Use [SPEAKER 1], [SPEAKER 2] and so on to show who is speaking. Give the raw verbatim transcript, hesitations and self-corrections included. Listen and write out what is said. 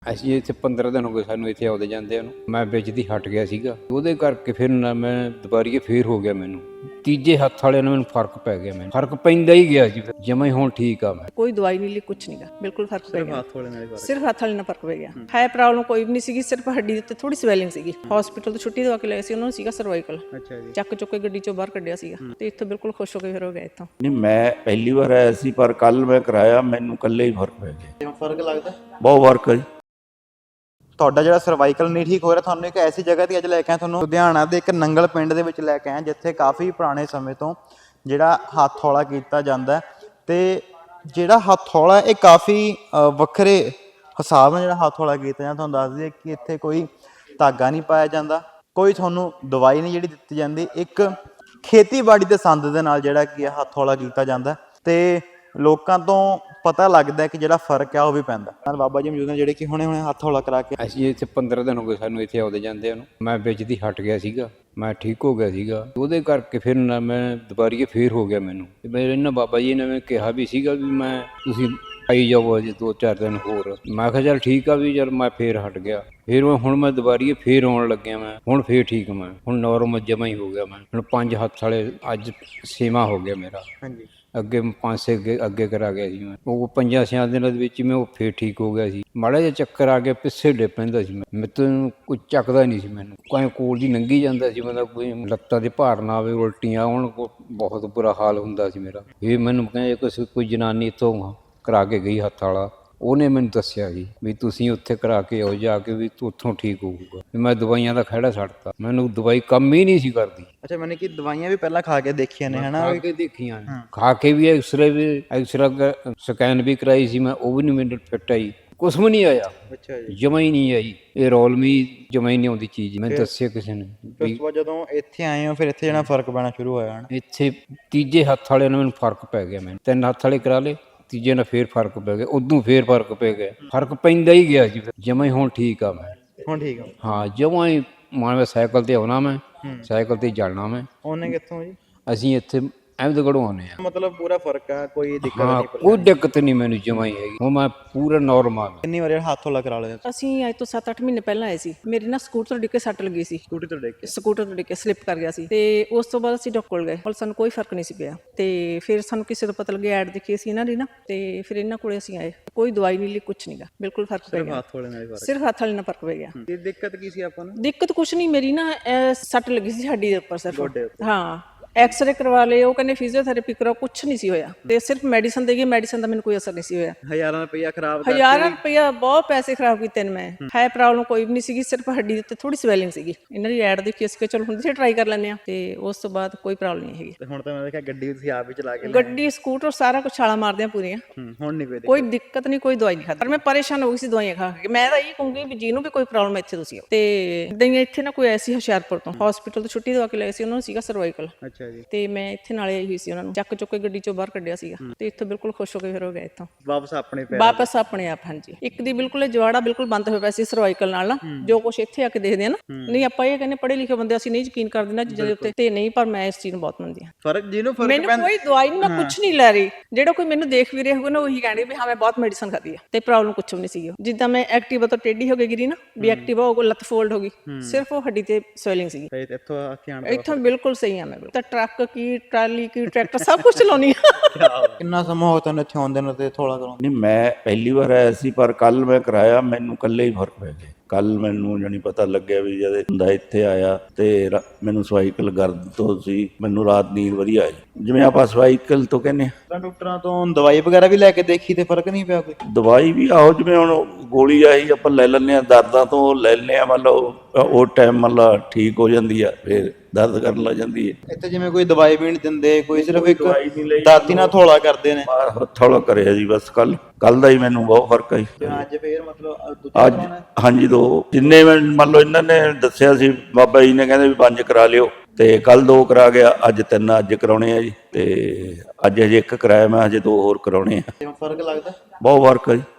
[SPEAKER 1] ਅਸੀਂ ਇੱਥੇ ਪੰਦਰਾਂ ਦਿਨ ਹੋ ਗਏ ਸਾਨੂੰ ਇੱਥੇ ਆਉਂਦੇ ਜਾਂਦੇ ਨੂੰ। ਮੈਂ ਵਿੱਚ ਦੀ ਹਟ ਗਿਆ ਸੀਗਾ, ਉਹਦੇ ਕਰਕੇ ਫਿਰ ਨਾ ਮੈਂ ਦੁਬਾਰੀਏ ਫੇਰ ਹੋ ਗਿਆ। ਮੈਨੂੰ ਤੀਜੇ ਹੱਥ ਵਾਲਿਆਂ ਨਾਲ ਮੈਨੂੰ ਫਰਕ ਪੈ ਗਿਆ। ਮੈਨੂੰ ਫਰਕ ਪੈਂਦਾ ਹੀ ਗਿਆ ਜੀ, ਫਿਰ ਜਮਾਂ ਹੀ ਹੁਣ ਠੀਕ ਆ। ਮੈਂ
[SPEAKER 2] ਕੋਈ ਦਵਾਈ ਨਹੀਂ ਲਈ, ਕੁਛ ਨਹੀਂਗਾ, ਬਿਲਕੁਲ ਫਰਕ ਪੈ ਗਿਆ।
[SPEAKER 3] ਹੱਥ ਵਾਲੇ ਨਾਲ ਫਰਕ,
[SPEAKER 2] ਸਿਰਫ ਹੱਥ ਵਾਲੇ ਨਾਲ ਫਰਕ ਪੈ ਗਿਆ। ਹੈ ਪ੍ਰੋਬਲਮ ਕੋਈ ਵੀ ਨਹੀਂ ਸੀਗੀ, ਸਿਰਫ ਹੱਡੀ ਦੇ ਉੱਤੇ ਥੋੜੀ ਸਵੈਲਿੰਗ ਸੀਗੀ। ਹਸਪੀਟਲ ਤੋਂ ਛੁੱਟੀ ਦਵਾ ਕੇ ਲਏ ਸੀ, ਉਹਨਾਂ ਨੂੰ ਸੀਗਾ ਸਰਵਾਈਕਲ।
[SPEAKER 3] ਅੱਛਾ ਜੀ।
[SPEAKER 2] ਚੱਕ ਚੁੱਕ ਕੇ ਗੱਡੀ ਚੋਂ ਬਾਹਰ ਕੱਢਿਆ ਸੀਗਾ ਤੇ ਇੱਥੋਂ ਬਿਲਕੁਲ ਖੁਸ਼ ਹੋ ਕੇ ਫਿਰ ਹੋ ਗਿਆ ਇੱਥੋਂ।
[SPEAKER 4] ਨਹੀਂ, ਮੈਂ ਪਹਿਲੀ ਵਾਰ ਆਇਆ ਸੀ, ਪਰ ਕੱਲ ਮੈਂ ਕਰਾਇਆ, ਮੈਨੂੰ ਕੱਲੇ ਹੀ ਫਰਕ ਪੈ ਗਿਆ।
[SPEAKER 3] ਕਿਉਂ ਫਰਕ ਲੱਗਦਾ?
[SPEAKER 4] ਬਹੁਤ ਫਰਕ ਹੈ ਜੀ।
[SPEAKER 3] ਤੁਹਾਡਾ ਜਿਹੜਾ ਸਰਵਾਈਕਲ ਨਹੀਂ ਠੀਕ ਹੋ ਰਿਹਾ, ਤੁਹਾਨੂੰ ਇੱਕ ਐਸੀ ਜਗ੍ਹਾ ਤੇ ਅੱਜ ਲੈ ਕੇ ਆਏ, ਤੁਹਾਨੂੰ ਲੁਧਿਆਣਾ ਦੇ ਇੱਕ ਨੰਗਲ ਪਿੰਡ ਦੇ ਵਿੱਚ ਲੈ ਕੇ ਆਏ, ਜਿੱਥੇ ਕਾਫੀ ਪੁਰਾਣੇ ਸਮੇਂ ਤੋਂ ਜਿਹੜਾ ਹੱਥ ਹੌਲਾ ਕੀਤਾ ਜਾਂਦਾ ਤੇ ਜਿਹੜਾ ਹੱਥ ਹੌਲਾ ਇਹ ਕਾਫੀ ਵੱਖਰੇ ਹਿਸਾਬ ਨਾਲ ਜਿਹੜਾ ਹੱਥ ਹੌਲਾ ਕੀਤਾ ਜਾਂਦਾ। ਤੁਹਾਨੂੰ ਦੱਸ ਦਈਏ ਕਿ ਇੱਥੇ ਕੋਈ ਧਾਗਾ ਨਹੀਂ ਪਾਇਆ ਜਾਂਦਾ, ਕੋਈ ਤੁਹਾਨੂੰ ਦਵਾਈ ਨਹੀਂ ਜਿਹੜੀ ਦਿੱਤੀ ਜਾਂਦੀ। ਇੱਕ ਖੇਤੀਬਾੜੀ ਦੇ ਸੰਦ ਦੇ ਨਾਲ ਜਿਹੜਾ ਕੀ ਹੱਥ ਹੌਲਾ ਕੀਤਾ ਜਾਂਦਾ ਤੇ ਲੋਕਾਂ ਤੋਂ ਪਤਾ ਲੱਗਦਾ ਕਿ ਜਿਹੜਾ ਫਰਕ ਆ ਉਹ ਵੀ ਪੈਂਦਾ। ਨਾਲ ਬਾਬਾ ਜੀ ਮੌਜੂਦ ਨੇ ਜਿਹੜੇ ਕਿ ਹੁਣੇ ਹੁਣੇ ਹੱਥ ਹੌਲਾ ਕਰਾ ਕੇ।
[SPEAKER 1] ਅਸੀਂ ਇੱਥੇ ਪੰਦਰਾਂ ਦਿਨ ਹੋ ਗਏ ਸਾਨੂੰ ਇੱਥੇ ਆਉਂਦੇ ਜਾਂਦੇ ਨੂੰ। ਮੈਂ ਵਿੱਚ ਦੀ ਹਟ ਗਿਆ ਸੀਗਾ, ਮੈਂ ਠੀਕ ਹੋ ਗਿਆ ਸੀਗਾ, ਉਹਦੇ ਕਰਕੇ ਫਿਰ ਨਾ ਮੈਂ ਦੁਬਾਰੀਏ ਫੇਰ ਹੋ ਗਿਆ। ਮੈਨੂੰ ਤੇ ਮੇਰੇ ਇਹਨਾਂ ਬਾਬਾ ਜੀ ਨੇ ਮੈਨੂੰ ਕਿਹਾ ਵੀ ਸੀਗਾ ਵੀ ਮੈਂ ਤੁਸੀਂ ਆਈ ਜਾਓ ਅਜੇ ਦੋ ਚਾਰ ਦਿਨ ਹੋਰ। ਮੈਂ ਕਿਹਾ ਚੱਲ ਠੀਕ ਆ ਵੀ, ਜਦ ਮੈਂ ਫੇਰ ਹਟ ਗਿਆ। ਫਿਰ ਹੁਣ ਮੈਂ ਦੁਬਾਰੀਏ ਫੇਰ ਆਉਣ ਲੱਗਿਆ। ਮੈਂ ਹੁਣ ਫੇਰ ਠੀਕ ਮੈਂ ਹੁਣ ਨੌਰਮਲ ਜਮਾ ਹੀ ਹੋ ਗਿਆ। ਮੈਂ ਹੁਣ ਪੰਜ ਹੱਥ ਵਾਲੇ ਅੱਜ ਛੇਵਾਂ ਹੋ ਗਿਆ ਮੇਰਾ।
[SPEAKER 3] ਹਾਂਜੀ।
[SPEAKER 1] ਅੱਗੇ ਪੰਜ ਛੇ ਅੱਗੇ ਅੱਗੇ ਕਰਾ ਗਿਆ ਸੀ ਮੈਂ, ਉਹ ਪੰਜਾਂ ਛਿਆਂ ਦਿਨਾਂ ਦੇ ਵਿੱਚ ਮੈਂ ਉਹ ਫੇਰ ਠੀਕ ਹੋ ਗਿਆ ਸੀ। ਮਾੜਾ ਜਿਹਾ ਚੱਕਰ ਆ ਗਿਆ, ਪਿੱਛੇ ਡੇ ਪੈਂਦਾ ਸੀ। ਮੈਂ ਮੈਨੂੰ ਕੋਈ ਚੱਕਦਾ ਨਹੀਂ ਸੀ, ਮੈਨੂੰ ਕੋਈ ਕੋਲ ਦੀ ਲੰਘੀ ਜਾਂਦਾ ਸੀ। ਮਤਲਬ ਕੋਈ ਲੱਤਾਂ ਦੇ ਭਾਰ ਨਾ ਆਵੇ, ਉਲਟੀਆਂ ਆਉਣ, ਬਹੁਤ ਬੁਰਾ ਹਾਲ ਹੁੰਦਾ ਸੀ ਮੇਰਾ। ਇਹ ਮੈਨੂੰ ਕਹਿੰਦੇ ਕੋਈ ਕੋਈ ਜਨਾਨੀ ਇੱਥੋਂ ਕਰਾ ਕੇ ਗਈ ਹੱਥ ਵਾਲਾ, ਉਹਨੇ ਮੈਨੂੰ ਦੱਸਿਆ ਜੀ ਵੀ ਤੁਸੀਂ ਉੱਥੇ ਕਰਾ ਕੇ ਆਓ ਜਾ ਕੇ, ਵੀ ਤੂੰ ਉੱਥੋਂ ਠੀਕ ਹੋਊਗਾ। ਮੈਂ ਦਵਾਈਆਂ ਦਾ ਖਹਿੜਾ ਛੱਡਤਾ, ਮੈਨੂੰ ਦਵਾਈ ਕੰਮ ਹੀ ਨਹੀਂ ਸੀ ਕਰਦੀ।
[SPEAKER 3] ਅੱਛਾ, ਮੈਨੇ ਕਿ ਦਵਾਈਆਂ ਵੀ ਪਹਿਲਾਂ ਖਾ ਕੇ ਦੇਖੀਆਂ ਨੇ, ਹਨਾ?
[SPEAKER 1] ਖਾ ਕੇ ਦੇਖੀਆਂ, ਖਾ ਕੇ ਵੀ ਐਕਸਰੇ ਵੀ ਐਕਸਰਾ ਸਕੈਨ ਵੀ ਕਰਾਈ ਸੀ ਮੈਂ, ਉਹ ਵੀ ਨਹੀਂ ਮੈਨੂੰ ਫਿੱਟ ਆਈ, ਕੁਛ ਵੀ ਨਹੀਂ ਆਇਆ।
[SPEAKER 3] ਅੱਛਾ ਜੀ।
[SPEAKER 1] ਜਮਾ ਹੀ ਨਹੀਂ ਆਈ। ਇਹ ਰੋਲਮੀ ਜਮਾ ਹੀ ਨਹੀਂ ਆਉਂਦੀ ਚੀਜ਼। ਮੈਂ ਦੱਸਿਆ ਕਿਸੇ ਨੇ।
[SPEAKER 3] ਉਸ ਤੋਂ ਬਾਅਦ ਜਦੋਂ ਇੱਥੇ ਆਏ ਹੋ ਫਿਰ ਇੱਥੇ ਜਿਹੜਾ ਫਰਕ ਪੈਣਾ ਸ਼ੁਰੂ ਹੋਇਆ ਹਨ?
[SPEAKER 1] ਇੱਥੇ ਤੀਜੇ ਹੱਥ ਵਾਲਿਆਂ ਨਾਲ ਮੈਨੂੰ ਫਰਕ ਪੈ ਗਿਆ। ਮੈਨੂੰ ਤਿੰਨ ਹੱਥ ਵਾਲੇ ਕਰਾ ਲਏ, ਤੀਜੇ ਨਾਲ ਫੇਰ ਫਰਕ ਪੈ ਗਿਆ, ਉਦੋਂ ਫੇਰ ਫਰਕ ਪੈ ਗਿਆ। ਫਰਕ ਪੈਂਦਾ ਹੀ ਗਿਆ ਜੀ, ਫਿਰ ਜਮਾ ਹੀ ਹੁਣ ਠੀਕ ਆ। ਮੈਂ
[SPEAKER 3] ਹੁਣ ਠੀਕ ਆ? ਹਾਂ,
[SPEAKER 1] ਜਮਾ ਹੀ। ਮਾਂ ਸਾਈਕਲ ਤੇ ਆਉਣਾ, ਮੈਂ ਸਾਈਕਲ ਤੇ ਜਾਣਾ। ਮੈਂ
[SPEAKER 3] ਉਹਨੇ ਕਿੱਥੋਂ ਜੀ?
[SPEAKER 1] ਅਸੀਂ ਇੱਥੇ ਅਹਿਮਦਗੜ੍ਹੋਂ ਆਉਂਦੇ ਆ।
[SPEAKER 3] ਮਤਲਬ ਪੂਰਾ ਫਰਕ ਆ, ਕੋਈ ਦਿੱਕਤ
[SPEAKER 1] ਹਾਂ,
[SPEAKER 3] ਨਹੀਂ?
[SPEAKER 1] ਕੋਈ ਦਿੱਕਤ ਨਹੀਂ ਮੈਨੂੰ ਜਮਾ ਹੀ ਹੈਗੀ। ਹੁਣ ਮੈਂ ਪੂਰਾ ਨੋਰਮਲ।
[SPEAKER 3] ਕਿੰਨੀ ਵਾਰ ਹੱਥ ਹੌਲਾ ਕਰਾ ਲਿਆ?
[SPEAKER 2] ਅਸੀਂ ਅੱਜ ਤੋਂ ਸੱਤ ਅੱਠ ਮਹੀਨੇ ਪਹਿਲਾਂ ਆਏ ਸੀ। ਮੇਰੀ ਨਾ ਸਕੂਟਰ ਡਿੱਗ ਕੇ ਸੱਟ ਲੱਗੀ ਸੀ।
[SPEAKER 3] ਸਕੂਟੀ ਤੋਂ ਡਿੱਗ ਕੇ? ਸਕੂਟਰ
[SPEAKER 2] ਤੋਂ ਡਿੱਗ ਕੇ ਸਲਿੱਪ ਕਰ ਗਿਆ ਸੀ ਤੇ ਉਸ ਤੋਂ ਬਾਅਦ ਅਸੀਂ ਡਾਕਟਰ ਕੋਲ ਗਏ, ਪਰ ਸਾਨੂੰ ਕੋਈ ਫਰਕ ਨਹੀਂ ਸੀ ਪਿਆ। ਤੇ ਫਿਰ ਸਾਨੂੰ ਕਿਸੇ ਤੋਂ ਪਤਾ ਲੱਗਿਆ, ਐਡ ਦੇਖੀ ਸੀ ਇਹਨਾਂ ਦੀ ਨਾ, ਤੇ ਫਿਰ ਇਹਨਾਂ ਕੋਲੇ ਅਸੀਂ ਆਏ। ਕੋਈ ਦਵਾਈ ਨਹੀਂ ਲਈ, ਕੁਛ ਨਹੀਂਗਾ, ਬਿਲਕੁਲ ਫਰਕ ਪੈ ਗਿਆ।
[SPEAKER 3] ਹੱਥ ਵਾਲੇ ਨਾਲ ਫਰਕ?
[SPEAKER 2] ਸਿਰਫ ਹੱਥ ਵਾਲੇ ਨਾਲ ਫਰਕ ਪੈ ਗਿਆ।
[SPEAKER 3] ਤੇ ਦਿੱਕਤ ਕੀ ਸੀ ਆਪਾਂ ਨੂੰ?
[SPEAKER 2] ਦਿੱਕਤ ਕੁਛ ਨਹੀਂ, ਮੇਰੀ ਨਾ ਸੱਟ ਲੱਗੀ ਸੀ ਹੱਡੀ ਦੇ ਉੱਪਰ ਸਿਰਫ। ਹਾਂ, ਐਕਸਰੇ ਕਰਵਾ ਲਏ, ਉਹ ਕਹਿੰਦੇ ਫਿਜ਼ੀਓਥੈਰੇਪੀ ਕਰਾਓ, ਕੁਛ ਨਹੀਂ ਸੀ ਹੋਇਆ। ਤੇ ਸਿਰਫ ਮੈਡੀਸਨ ਦੇਗੀ, ਮੈਡੀਸਨ ਦਾ ਮੈਨੂੰ ਕੋਈ ਅਸਰ ਨਹੀਂ ਸੀ ਹੋਇਆ।
[SPEAKER 3] ਹਜ਼ਾਰਾਂ ਰੁਪਇਆ ਖਰਾਬ?
[SPEAKER 2] ਹਜ਼ਾਰਾਂ ਰੁਪਇਆ, ਬਹੁਤ ਪੈਸੇ ਖਰਾਬ ਕੀਤੇ ਨੇ ਮੈਂ। ਹੈ ਪ੍ਰੋਬਲਮ ਕੋਈ ਵੀ ਨਹੀਂ ਸੀਗੀ, ਸਿਰਫ ਹੱਡੀ ਦੇ ਉੱਤੇ ਥੋੜੀ ਸਵੈਲਿੰਗ ਸੀਗੀ। ਇਹਨਾਂ ਦੀ ਐਡ ਦੇਖੀ ਅਸੀਂ ਕਿ ਚਲੋ ਹੁਣ ਤੁਸੀਂ ਟਰਾਈ ਕਰ ਲੈਂਦੇ ਆ, ਤੇ ਉਸ ਤੋਂ ਬਾਅਦ ਕੋਈ ਪ੍ਰੋਬਲਮ ਨਹੀਂ ਹੈਗੀ।
[SPEAKER 3] ਤੇ ਹੁਣ ਤਾਂ ਮੈਂ ਦੇਖਿਆ ਗੱਡੀ ਤੁਸੀਂ ਆਪ ਹੀ ਚਲਾ ਕੇ?
[SPEAKER 2] ਗੱਡੀ, ਸਕੂਟਰ, ਸਾਰਾ ਕੁਝ ਛਾਲਾਂ ਮਾਰਦੇ ਆ ਪੂਰੀਆਂ।
[SPEAKER 3] ਹੁਣ ਨਹੀਂ ਕੋਈ
[SPEAKER 2] ਕੋਈ ਦਿੱਕਤ ਨਹੀਂ, ਕੋਈ ਦਵਾਈ ਨਹੀਂ ਖਾਦੀ। ਪਰ ਮੈਂ ਪਰੇਸ਼ਾਨ ਹੋ ਗਈ ਸੀ ਦਵਾਈਆਂ ਖਾ ਕੇ। ਮੈਂ ਤਾਂ ਇਹ ਕਹੂੰਗੀ ਵੀ ਜਿਹਨੂੰ ਵੀ ਕੋਈ ਪ੍ਰੋਬਲਮ ਇੱਥੇ ਤੁਸੀਂ ਆਓ। ਤੇ ਇਦਾਂ ਹੀ ਇੱਥੇ ਨਾ ਕੋਈ ਐਸੀ ਹੁਸ਼ਿਆਰਪੁਰ ਤੋਂ ਹਸਪੀਟਲ ਤੋਂ ਛੁੱਟੀ ਦਵਾ ਕੇ ਲਏ ਸੀ, ਉਹਨਾਂ ਨੂੰ ਸੀਗਾ ਸਰਵਾਈਕਲ।
[SPEAKER 3] ਅੱਛਾ ਜੀ।
[SPEAKER 2] ਤੇ ਮੈਂ ਇੱਥੇ ਨਾਲੇ ਆਈ ਹੋਈ ਸੀ, ਉਹਨਾਂ ਨੂੰ ਚੱਕ ਚੁੱਕ ਕੇ ਗੱਡੀ ਚੋਂ ਬਾਹਰ ਕੱਢਿਆ ਸੀਗਾ ਤੇ ਇੱਥੋਂ ਬਿਲਕੁਲ ਖੁਸ਼ ਹੋ ਕੇ ਫਿਰ ਹੋ ਗਿਆ ਇੱਥੋਂ
[SPEAKER 3] ਵਾਪਸ ਆਪਣੇ ਪੈਰ?
[SPEAKER 2] ਵਾਪਸ ਆਪਣੇ ਆਪ। ਹਾਂਜੀ। ਇੱਕ ਦੀ ਬਿਲਕੁਲ ਜਵਾੜਾ ਬਿਲਕੁਲ ਬੰਦ ਹੋਇਆ ਪਿਆ ਸੀ ਸਰਵਾਈਕਲ ਨਾਲ ਨਾ, ਜੋ ਕੁਛ ਇੱਥੇ ਆ ਕੇ ਦੇਖਦੇ ਆ ਨਾ। ਨਹੀਂ, ਆਪਾਂ ਇਹ ਕਹਿੰਦੇ ਪੜ੍ਹੇ ਲਿਖੇ ਬੰਦੇ, ਅਸੀਂ ਨਹੀਂ ਯਕੀਨ ਕਰਦੇ ਨਾ ਚੀਜ਼ਾਂ ਦੇ ਉੱਤੇ, ਤੇ ਨਹੀਂ, ਪਰ ਮੈਂ ਇਸ ਚੀਜ਼ ਨੂੰ ਬਹੁਤ ਮੰਨਦੀ ਹਾਂ।
[SPEAKER 3] ਫਰਕ ਜਿਹਨੂੰ ਫਰਕ
[SPEAKER 2] ਮੈਨੂੰ ਕੋਈ ਦਵਾਈ ਨਹੀਂ, ਮੈਂ ਕੁਛ ਨਹੀਂ ਲੈ ਰਹੀ। ਜਿਹੜਾ ਕੋਈ ਮੈਨੂੰ ਦੇਖ ਵੀ ਰਿਹਾ ਹੋਊਗਾ ਨਾ, ਉਹੀ ਕਹਿਣਗੇ ਵੀ ਹਾਂ ਮੈਂ ਬਹੁਤ ਮੈਡੀਸਨ ਖਾਦੀ ਆ, ਤੇ ਪ੍ਰੋਬਲਮ ਕੁਛ ਵੀ ਨਹੀਂ ਸੀਗੀ। ਜਿੱਦਾਂ ਮੈਂ ਐਕਟਿਵਾ ਤੋਂ ਟੇਢੀ ਹੋ ਕੇ ਗਿਰੀ ਨਾ, ਵੀ ਐਕਟਿਵਾ ਉਹ ਲੱਤ ਫੋਲਡ ਹੋ ਗਈ, ਸਿਰਫ ਉਹ ਹੱਡੀ ਤੇ ਸਵੈਲਿੰਗ ਸੀਗੀ।
[SPEAKER 3] ਇੱਥੋਂ ਆ ਕੇ ਆਣ
[SPEAKER 2] ਇੱਥੋਂ ਬਿਲਕੁਲ ਸਹੀ ਆ ਮੈਂ। ਤਾਂ ਟਰੱਕ ਕੀ, ਟਰਾਲੀ ਕੀ, ਟਰੈਕਟਰ, ਸਭ ਕੁਝ ਚਲਾਉਣੀ ਆ।
[SPEAKER 3] ਕਿੰਨਾ ਸਮਾਂ ਹੋ ਤੁਹਾਨੂੰ ਇੱਥੇ ਆਉਂਦੇ ਨੂੰ ਤੇ ਥੋੜਾ ਕਰੋ?
[SPEAKER 4] ਨਹੀਂ, ਮੈਂ ਪਹਿਲੀ ਵਾਰ ਆਇਆ ਸੀ, ਪਰ ਕੱਲ ਮੈਂ ਕਰਾਇਆ, ਮੈਨੂੰ ਕੱਲੇ ਹੀ ਫਰਕ ਪੈ ਗਿਆ। ਕੱਲ ਮੈਨੂੰ ਜਾਣੀ ਪਤਾ ਲੱਗਿਆ ਵੀ ਜਦ ਹੁੰਦਾ ਇੱਥੇ ਆਇਆ ਤੇ ਮੈਨੂੰ ਸਵਾਈਕਲ ਗਰਦ ਤੋਂ ਸੀ, ਮੈਨੂੰ ਰਾਤ ਨੀਂਦ ਵਧੀਆ ਆਈ, ਜਿਵੇਂ ਆਪਾਂ ਸਵਾਈਕਲ ਤੋਂ ਕਹਿੰਦੇ ਆ।
[SPEAKER 3] ਡਾਕਟਰਾਂ ਤੋਂ ਦਵਾਈ ਵਗੈਰਾ ਵੀ ਲੈ ਕੇ ਦੇਖੀ ਤੇ ਫਰਕ ਨਹੀਂ ਪਿਆ ਕੋਈ?
[SPEAKER 4] ਦਵਾਈ ਵੀ ਆਹੋ, ਜਿਵੇਂ ਹੁਣ ਗੋਲੀ ਆਈ ਆਪਾਂ ਲੈ ਲੈਂਦੇ ਹਾਂ, ਦਰਦਾਂ ਤੋਂ ਲੈ ਲੈਂਦੇ ਹਾਂ, ਮੰਨ ਲਓ ਉਹ ਟਾਈਮ ਮੰਨ ਲਾ ਠੀਕ ਹੋ ਜਾਂਦੀ ਆ, ਫਿਰ ਦਰਦ ਕਰਨ ਲੱਗ ਜਾਂਦੀ ਹੈ।
[SPEAKER 3] ਇੱਥੇ ਜਿਵੇਂ ਕੋਈ ਦਵਾਈ ਵੀ ਨਹੀਂ ਦਿੰਦੇ, ਕੋਈ ਸਿਰਫ ਇੱਕ ਦਾਤੀ ਨਾਲ ਥੋੜਾ ਕਰਦੇ ਨੇ?
[SPEAKER 4] ਥੋੜਾ ਕਰਿਆ ਜੀ ਬਸ। ਕੱਲ ਕੱਲ ਦਾ ਹੀ ਮੈਨੂੰ ਬਹੁਤ ਫਰਕ ਆਈ।
[SPEAKER 3] ਅੱਜ ਫੇਰ ਮਤਲਬ
[SPEAKER 4] ਅੱਜ? ਹਾਂਜੀ, ਦੋ ਜਿੰਨੇ ਮੰਨ ਲਓ ਇਹਨਾਂ ਨੇ ਦੱਸਿਆ ਸੀ, ਬਾਬਾ ਜੀ ਨੇ ਕਹਿੰਦੇ ਵੀ ਪੰਜ ਕਰਾ ਲਿਓ, ਤੇ ਕੱਲ ਦੋ ਕਰਾ ਗਿਆ, ਅੱਜ ਤਿੰਨ ਅੱਜ ਕਰਾਉਣੇ ਆ ਜੀ। ਤੇ ਅੱਜ ਹਜੇ ਇੱਕ ਕਰਾਇਆ, ਮੈਂ ਹਜੇ ਦੋ ਹੋਰ ਕਰਾਉਣੇ ਆ।
[SPEAKER 3] ਫਰਕ ਲੱਗਦਾ?
[SPEAKER 4] ਬਹੁਤ ਫਰਕ ਆ ਜੀ।